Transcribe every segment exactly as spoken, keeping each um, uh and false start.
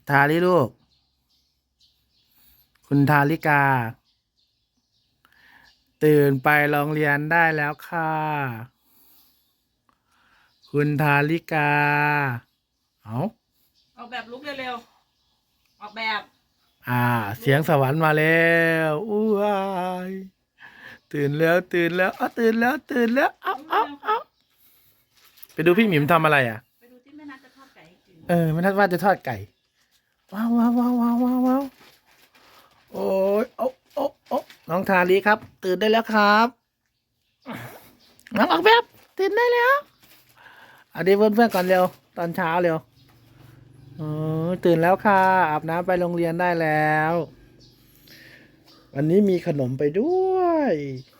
ทาริลูกคุณทาริกาตื่นไปโรงเรียนได้แล้วค่ะคุณทาริกาเอาออกแบบลุกเร็วๆออกแบบอ่าเสียงสวรรค์มาแล้วอู้ยตื่นแล้วตื่นแล้วอ้าตื่นแล้วตื่นแล้วเอ้าเอ้าเอ้าไปดูพี่หมิมทำอะไรอ่ะไปดูที่แม่นัทจะทอดไก่ให้กินเออแม่นัทว่าจะทอดไก่ว้าวว้าวว้าวว้าวว้าวว้าวโอ้ยโอ้โอ้โอ้น้องทาริครับ ตื่นได้แล้วครับน้องออกแบบตื่นได้แล้วอันนี้เพื่อนๆก่อนเร็วตอนเช้าเร็วเออตื่นแล้วค่ะอาบน้ำไปโรงเรียนได้แล้ววันนี้มีขนมไปด้วย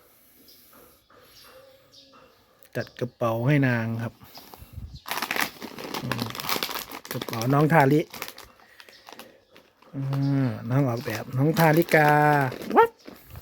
จัดกระเป๋าให้นางครับกระเป๋าน้องทาริน้องออกแบบน้องทาริกาวัด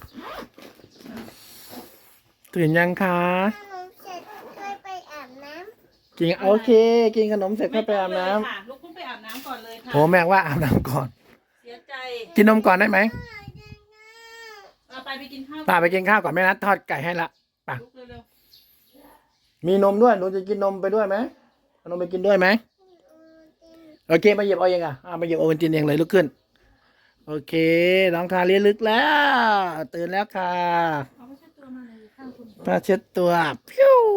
ตื่นยังคะขนมเสร็จค่อยไปอาบน้ำกินโอเคกินขนมเสร็จก็ไปอาบน้ำค่ะลุกขึ้นไปอาบน้ำก่อนเลยค่ะโหแม่ว่าอาบน้ำก่อนเสียใจกินนมก่อนได้ไหมเอาไปไปกินข้าวป่าไปกินข้าวก่อนแม่นัดทอดไก่ให้ละป่ะลุกเร็วมีนมด้วยหนูจะกินนมไปด้วยไหมเอานมไปกินด้วยไหมโอเคมาหยิบเอาเองอ่ะอ่ามาหยิบโอวัลตินเองเลยลุกขึ้นโอเคน้องทาเรียนลึกแล้วตื่นแล้วค่ะๆเอาไปเช็ดตัวมาเลยข้างคุณมาเช็ดตัวพิ้ว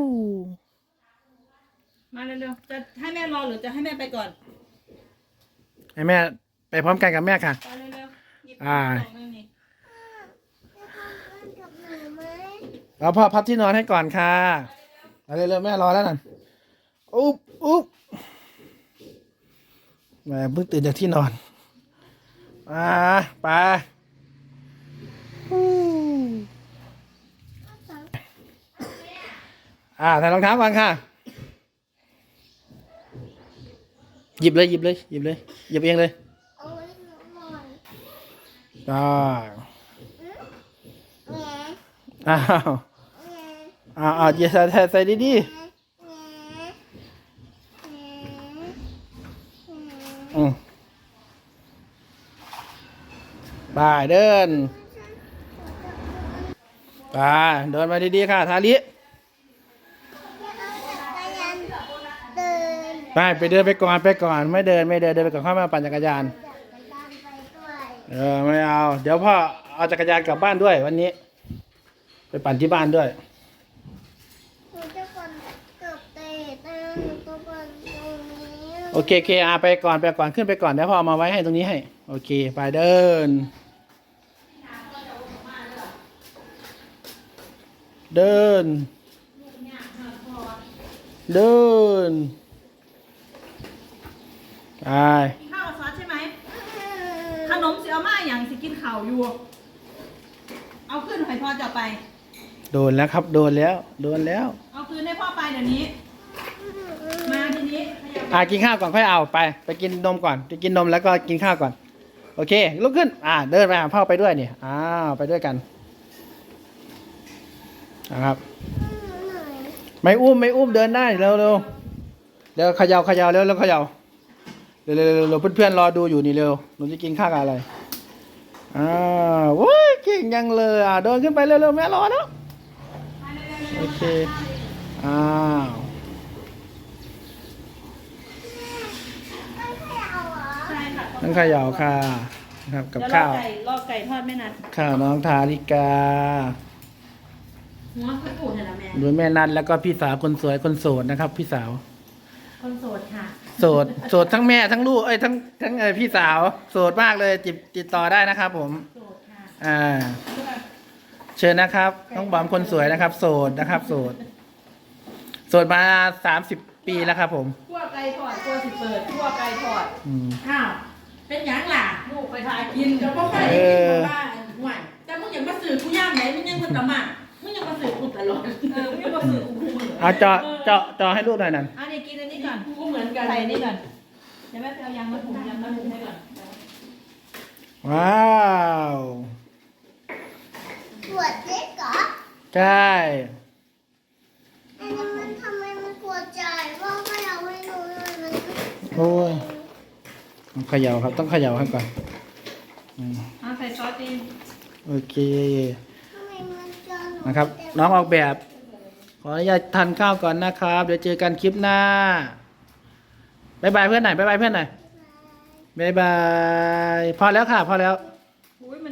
มาเร็วๆจะให้แม่รอหรือจะให้แม่ไปก่อนให้แม่ไปพร้อมกันกับแม่ค่ะไปเร็วๆหยิบอ่ากล่องนึงนี่จะทำเพื่อนกับหนูไหมเราพ่อพับที่นอนให้ก่อนค่ะเอาเร็วๆแม่รอแล้วนั่นอุ๊บอุ๊บแม่เพิ่งตื่นจากที่นอนอ่าไปฮู้อ่าใส่รองเท้าก่อนค่ะหยิบเลยหยิบเลยหยิบเลยหยิบเองเลยเอาไว้หนูหน่อยได้แง่อ้าวแง่อ้าวอ้าวอย่าใส่ใส่ใส่ดีแง่แง่ๆอืมไปเดินไปเดินมาดีๆค่ะทาริจักรยานเดินไปไปเดินไปก่อนไปก่อนไม่เดินไม่เดินเดินไปก่อนเข้ามาปั่นจักรยานจักรยานไปด้วยเออไม่เอาเดี๋ยวพ่อเอาจักรยานกลับบ้านด้วยวันนี้ ไปปั่นที่บ้านด้วยหนูจะปั่นกับเตะนะหนูจะปั่นตรงนี้โอเคโอเคอาไปก่อนไปก่อนขึ้นไปก่อนเดี๋ยวพ่อเอามาไว้ให้ตรงนี้ให้โอเคไปเดิน เดิน เดินไปกินข้าวกับซอสใช่ไหมขนมเสียมาอย่างสิกินข่าวอยู่ เอาขึ้นให้พ่อจะไปโดนแล้วครับโดนแล้วโดนแล้วเอาคืนให้พ่อไปเดี๋ยวนี้ มาทีนี้ขยับอ่ากินข้าวก่อนค่อยเอาไปไปกินนมก่อนไปกินนมแล้วก็กินข้าวก่อนโอเคลุกขึ้นอ่าเดินไปหาพ่อไปด้วยนี่อ้าวไปด้วยกันนะครับไม่อุ้มไม่อุ้มเดินได้เร็วเร็วเดี๋ยวเขย่าเขย่าเร็วเร็วเขย่าเร็วเร็วเร็วเร็วเพื่อนๆรอดูอยู่นี่เร็วหนูจะกินข้าวกับอะไรอ้าวโว้ยเก่งยังเลยอ่ะเดินขึ้นไปเร็วเร็วแม่รอแล้วโอเคอ้าวใช่ค่ะนั่งเขย่าค่ะนะครับกับเดี๋ยวรอข้าวไก่รอไก่ทอดไม่นานข้าวน้องทาริกาหัวกระปูดเห็นแล้วแม่โดยแม่นัทแล้วก็พี่สาวคนสวยคนโสดนะครับ พี่สาวคนโสดค่ะโสดโสดทั้งแม่ทั้งลูกเอ้ยทั้งทั้งเออพี่สาวโสดมากเลยติดติดต่อได้นะครับ ผมโสดค่ะอ่าเชิญนะครับน้องบอมคนสวยนะครับ โสดนะครับ โสดโสดมาสามสิบปีแล้วครับ ผมคั่วไก่ทอดคั่วสิเปิดคั่วไก่ทอดอืมอ้าวเป็นหยังล่ะลูกไปทายกินจะพ่อใครเอกินอบ้านห่วยแต่มึงยังมาสื่อกูย่ามไหนมึงยังคนตะมามึงยังมาสื่อกูตลอดเออมึงยังมาสื่อกูเหมือนเอาเจาะเจาะเจาะให้ลูกหน่อยนั่นอันนี้กินอันนี้ก่อนกูเหมือนกันใส่นี่ก่อนเดี๋ยวแม่ไปเอายางมาถุงยางมาถุงให้ก่อนว้าวปวดเล็กเหรอใช่อันนี้มันทำไมมันปวดใจว่าไม่เอาไว้หนูเลยมันโอ้ยต้องเขย่าครับต้องเขย่าให้ก่อนอืมเอาใส่ซอสดีโอเคทำไมมันจะหนูนะครับ น้องออกแบบ ขออนุญาตทานข้าวก่อนนะครับ เดี๋ยวเจอกันคลิปหน้าบายบายเพื่อนหน่อยบายบายเพื่อนหน่อยบายบายพอแล้วค่ะพอแล้วอุ้ยมัน